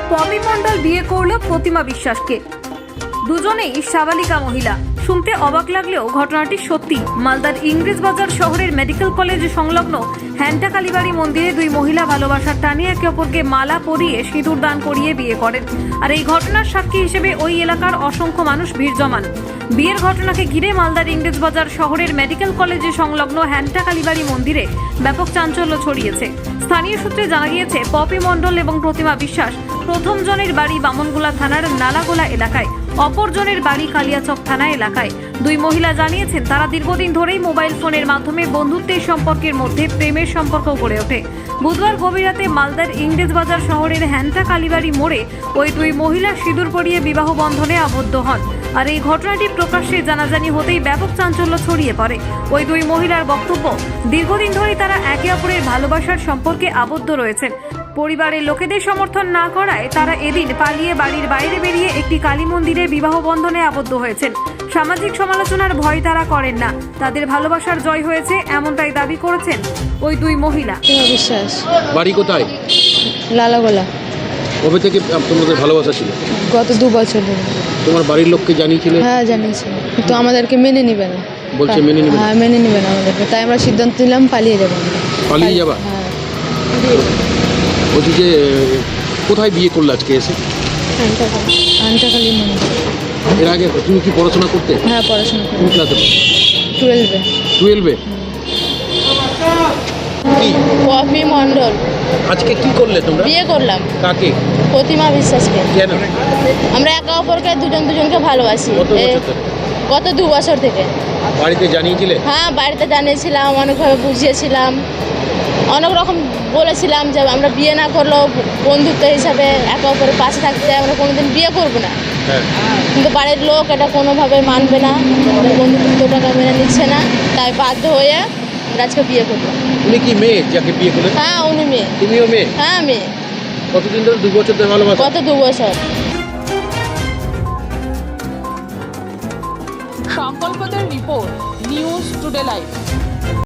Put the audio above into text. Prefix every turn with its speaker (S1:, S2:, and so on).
S1: Poppy মণ্ডল বিয়ে করল প্রতিমা বিশ্বাসকে। দুজনেই সাবালিকা মহিলা। শুনতে অবাক লাগলেও ঘটনাটি সত্যি। মালদার ইংরেজবাজার শহরের মেডিকেল কলেজ সংলগ্ন হ্যান্টা কালীবাড়ি মন্দিরে দুই মহিলা ভালোবাসার টানে একে অপরকে মালা পরিয়ে সিঁদুর দান করিয়ে বিয়ে করেন। আর এই ঘটনার সাক্ষী হিসেবে ওই এলাকার অসংখ্য মানুষ ভিড় জমান। বিয়ের ঘটনাকে ঘিরে মালদার ইংরেজবাজার শহরের মেডিকেল কলেজে সংলগ্ন হ্যান্টা কালীবাড়ি মন্দিরে ব্যাপক চাঞ্চল্য ছড়িয়েছে। স্থানীয় সূত্রে জানা গিয়েছে, পপি মণ্ডল এবং প্রতিমা বিশ্বাস প্রথম জনের বাড়ি বামনগোলা থানার নালাগোলা এলাকায়, অপরজনের বাড়ি কালিয়াচক থানা এলাকায়। দুই মহিলা জানিয়েছেন, তারা দীর্ঘদিন ধরেই মোবাইল ফোনের মাধ্যমে বন্ধুত্বের সম্পর্কের মধ্যে প্রেমের সম্পর্ক গড়ে ওঠে। বুধবার গভীর রাতে মালদার ইংরেজবাজার শহরের হ্যান্টা কালীবাড়ি মোড়ে ওই দুই মহিলা সিঁদুর পরিয়ে বিবাহ বন্ধনে আবদ্ধ হন। আর এই ঘটনাটি প্রকাশ্যে জানাজানি হতেই ব্যাপক চাঞ্চল্য ছড়িয়ে পড়ে। ওই দুই মহিলার বক্তব্য, দীর্ঘদিন ধরেই তারা একে অপরের ভালোবাসার সম্পর্কে আবদ্ধ রয়েছেন। পরিবারের লোকেদের সমর্থন না করায় তারা এদিন পালিয়ে বাড়ির বাইরে বেরিয়ে একটি কালী মন্দিরে বিবাহ বন্ধনে আবদ্ধ হয়েছেন। সামাজিক সমালোচনার ভয় তারা করেন না, তাদের ভালোবাসার জয় হয়েছে, এমনটাই দাবি করেছেন ওই দুই মহিলা।
S2: বিশ্বাস
S3: বাড়ি কোথায়?
S2: লালাগোলা।
S3: কবে থেকে তোমাদের ভালোবাসা ছিল?
S2: গত 2 বছর ধরে।
S3: তোমার বাড়ির লোককে জানিয়েছিলে?
S2: হ্যাঁ জানিয়েছি, কিন্তু আমাদেরকে মেনে নিবে না।
S3: বলছে মেনে নিবে না?
S2: হ্যাঁ মেনে নিবে না আমাদেরকে, তাই আমরা সিদ্ধান্ত নিলাম পালিয়ে যাবো।
S3: পালিয়ে যাবা?
S2: হ্যাঁ।
S3: বলছি যে কোথায় বিয়ে করলে আজকে এসে?
S2: আন্টাকালী মন্দির।
S3: এর আগে তুমি কি পড়াশোনা করতে?
S2: হ্যাঁ পড়াশোনা করি।
S3: কোন ক্লাসে?
S2: 12-এ।
S3: 12-এ? কি
S4: পপি মণ্ডল।
S3: আজকে কি করলে তোমরা?
S4: বিয়ে করলাম।
S3: কাকে?
S4: প্রতিমা বিশ্বাসকে।
S3: কেন?
S4: আমরা একে অপরকে দুজনকে ভালোবাসি।
S3: কত বছর ধরে?
S4: গত 2 বছর থেকে।
S3: বাড়িতে জানিয়েছিলে?
S4: হ্যাঁ বাড়িতে জানিয়েছিলাম, অনেকভাবে বুঝিয়েছিলাম, অনেক রকম বলেছিলাম যে আমরা বিয়ে না করলেও বন্ধুত্ব হিসাবে একে অপরের পাশে থাকতে আমরা কোনোদিন বিয়ে করব না।
S3: হ্যাঁ।
S4: কিন্তু বাড়ির লোক এটা কোনোভাবে মানবে না, আমাদের বন্ধুত্বটাকে মেনে নিচ্ছে না, তাই বাধ্য হয়ে আমরা আজকে বিয়ে করলাম।
S3: তুমি কি মেয়ে যাকে বিয়ে করলে?
S4: হ্যাঁ উনি মেয়ে।
S3: তুমিও মেয়ে?
S4: হ্যাঁ মেয়ে।
S3: কতদিন ধরে? 2 বছর ধরে ভালোবাসা?
S4: গত 2 বছর।
S5: সংকল্পদের রিপোর্ট, নিউজ টুডে লাইভ।